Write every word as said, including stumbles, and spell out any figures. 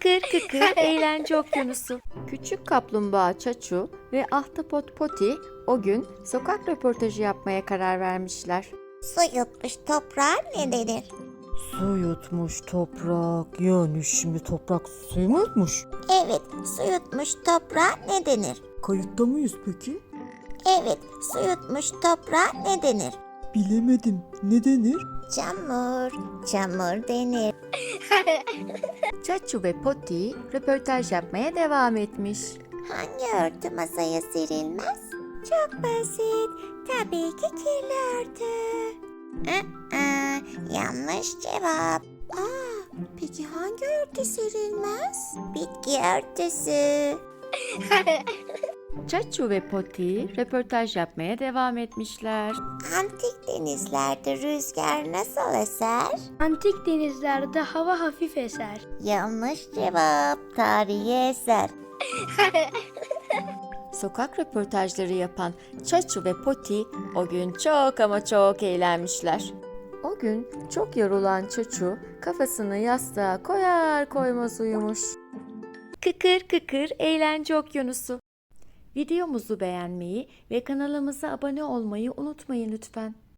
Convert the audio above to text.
Kıkır kıkır eğlence okyanusu. Küçük kaplumbağa Çaçu ve ahtapot Poti o gün sokak röportajı yapmaya karar vermişler. Su yutmuş toprağa ne denir? Su yutmuş toprak. Yani şimdi toprak suyu mu yutmuş? Evet, su yutmuş toprağa ne denir? Kayıtta mıyız peki? Evet, su yutmuş toprağa ne denir? Bilemedim. Ne denir? Çamur, çamur denir. Çaçu ve Poti röportaj yapmaya devam etmiş. Hangi örtü masaya serilmez? Çok basit. Tabii ki kirli örtü. Aa, yanlış cevap. Aa, peki hangi örtü serilmez? Bitki örtüsü. Çaçu ve Poti röportaj yapmaya devam etmişler. Antik denizlerde rüzgar nasıl eser? Antik denizlerde hava hafif eser. Yanlış cevap. Tarihi eser. Sokak röportajları yapan Çaçu ve Poti o gün çok ama çok eğlenmişler. O gün çok yorulan Çaçu kafasını yastığa koyar koymaz uyumuş. Kıkır kıkır eğlence okyanusu. Videomuzu beğenmeyi ve kanalımıza abone olmayı unutmayın lütfen.